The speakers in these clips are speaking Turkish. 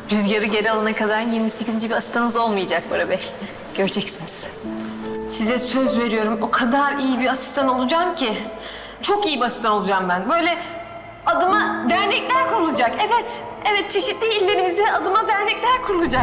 Rüzgarı geri alana kadar 28. bir asistanınız olmayacak Bora Bey. Göreceksiniz. Size söz veriyorum, o kadar iyi bir asistan olacağım ki. Çok iyi bir asistan olacağım ben. Böyle adıma dernekler kurulacak. Evet, evet, çeşitli illerimizde adıma dernekler kurulacak.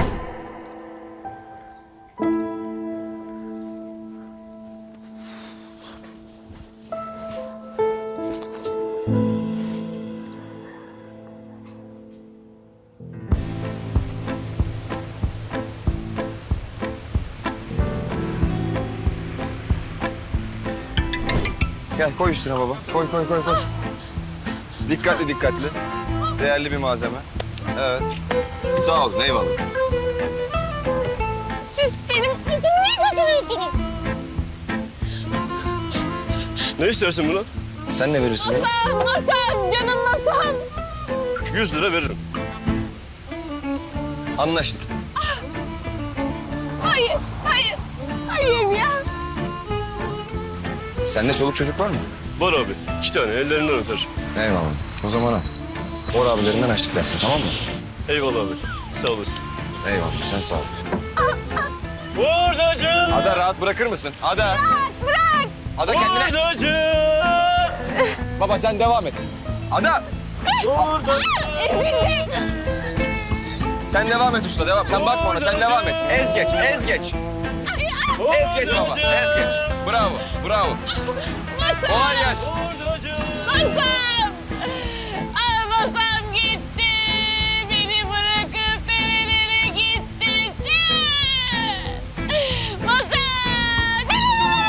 Gel koy üstüne baba. Koy. Dikkatli. Değerli bir malzeme. Evet. Sağ ol. Eyvallah. Siz benim kızımı niye götürüyorsunuz? Ne istersin buna? Sen ne verirsin bana? Masam, canım masam. 100 lira veririm. Anlaştık. Hayır ya. Sende çoluk çocuk var mı? Var abi. 2 tane ellerinden öper. Eyvallah. O zaman al. Bor abilerinden açtık dersin, tamam mı? Eyvallah abi. Sağ olasın. Eyvallah. Sen sağ ol. Buradacı! Ada rahat bırakır mısın? Ada. Bırak. Ada kendine. Buradacı! Baba sen devam et. Ada. Ezildim. Sen devam et usta, devam. Sen bakma ona, sen devam et. Ez geç. Ez geç baba, ez geç. Bravo. Masam. Kolay gelsin. Buradacı! Masam. Masam gitti. Beni bırakıp nerelere gittin sen? Masam.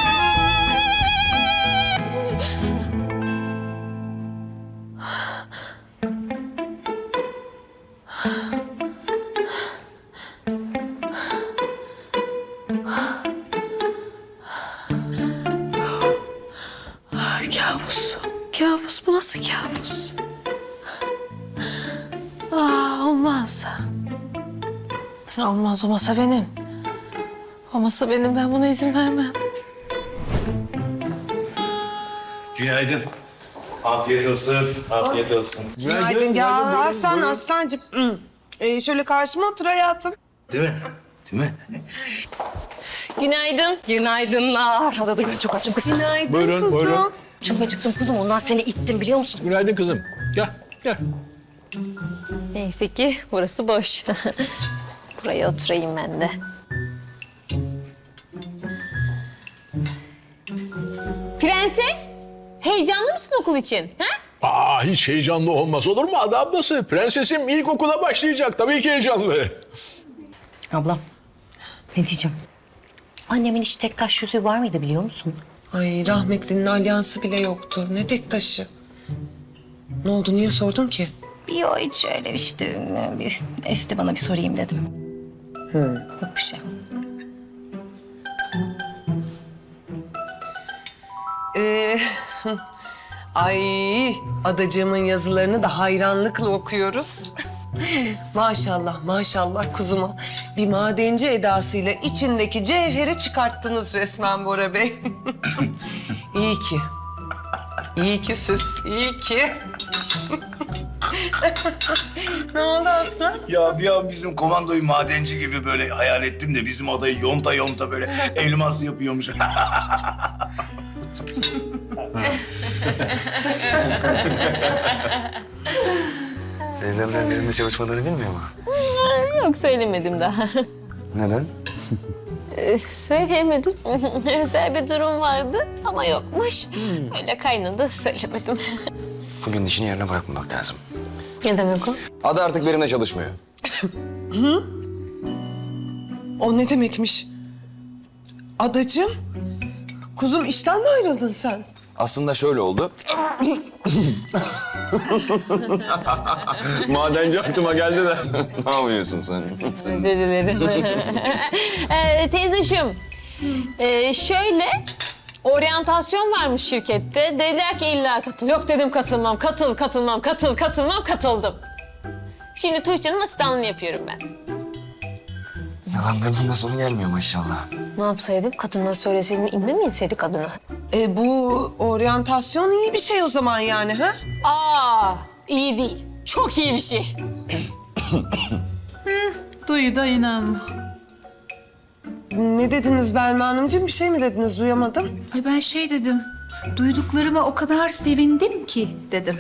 Kabus. Kabus. Bu nasıl kabus? Olmaz. Olmaz. O masa benim. O masa benim. Ben buna izin vermem. Günaydın. Afiyet olsun. Afiyet olsun. Günaydın ya aslancığım. Şöyle karşıma otur hayatım. Değil mi? Değil mi? Günaydın. Günaydınlar. Hadi dur ben çok açım kızım. Günaydın kuzum. Çok acıktım kuzum. Ondan seni ittim biliyor musun? Günaydın kızım. Gel. Neyse ki burası boş. Buraya oturayım ben de. Prenses, heyecanlı mısın okul için? Ha? Hiç heyecanlı olmaz olur mu Ada ablası? Prensesim ilkokula başlayacak. Tabii ki heyecanlı. Ablam, ne diyeceğim? Annemin hiç tek taş yüzüğü var mıydı biliyor musun? Ay rahmetlinin alyansı bile yoktu. Ne tek taşı. Ne oldu niye sordun ki? Yok hiç öyle işte. Bir esti bana bir sorayım dedim. Yok bir şey. Ay adacığımın yazılarını da hayranlıkla okuyoruz. Maşallah kuzuma. Bir madenci edasıyla içindeki cevheri çıkarttınız resmen Bora Bey. İyi ki. İyi ki siz, iyi ki. Ne oldu aslan? Ya bir an bizim komandoyu madenci gibi böyle hayal ettim de bizim adayı yonta böyle elmas yapıyormuş. Teyzemler benimle çalışmalarını bilmiyor mu? Yok söylemedim daha. Neden? Söyleyemedim. Özel bir durum vardı ama yokmuş. Öyle kaynadı söylemedim. Bugün işini yerine bırakmamak lazım. Ne demek o? Ada artık benimle çalışmıyor. O ne demekmiş? Adacığım, kuzum işten mi ayrıldın sen? Aslında şöyle oldu. Madenci aklıma geldi de. Ne yapıyorsun sen? Özür dilerim. Teyzeciğim, şöyle oryantasyon varmış şirkette. Dediler ki illa katıl. Yok dedim katılmam, katıldım. Şimdi Tuğçe'nin asistanlığını yapıyorum ben. Yalanlarının da sonu gelmiyor maşallah. Ne yapsaydım? Kadınlara söyleseydim inme mi inseydik kadına? Bu oryantasyon iyi bir şey o zaman yani ha? İyi değil. Çok iyi bir şey. Duyu da inanma. Ne dediniz Belma Hanımcığım? Bir şey mi dediniz? Duyamadım. Ay ben şey dedim. Duyduklarıma o kadar sevindim ki dedim.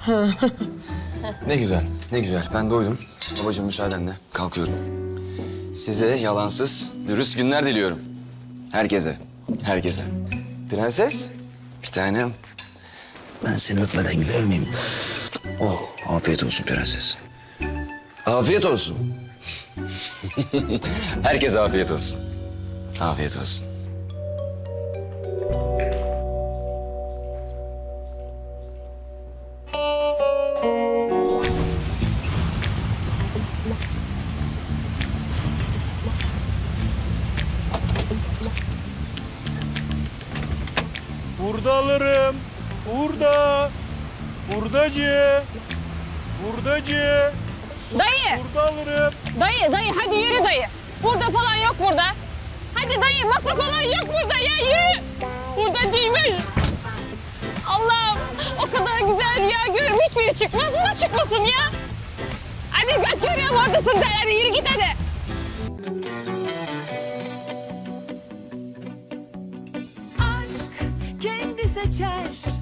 Ne güzel, ne güzel. Ben doydum. Babacığım müsaadenle kalkıyorum. Size yalansız, dürüst günler diliyorum. Herkese, herkese. Prenses, bir tanem. Ben seni öpmeden gider miyim? Oh, afiyet olsun prenses. Afiyet olsun. Herkese afiyet olsun. Afiyet olsun. Burada alırım. Burada. Buradacı. Buradacı. Dayı, Burada alırım. dayı hadi yürü dayı. Burada falan yok burada. Hadi dayı masa falan yok burada ya yürü. Hurdacıymış. Allah'ım o kadar güzel rüya görürüm hiçbiri çıkmaz bu da çıkmasın ya. Hadi göt görüyorum oradasın da hadi yürü git hadi. Aşk kendi seçer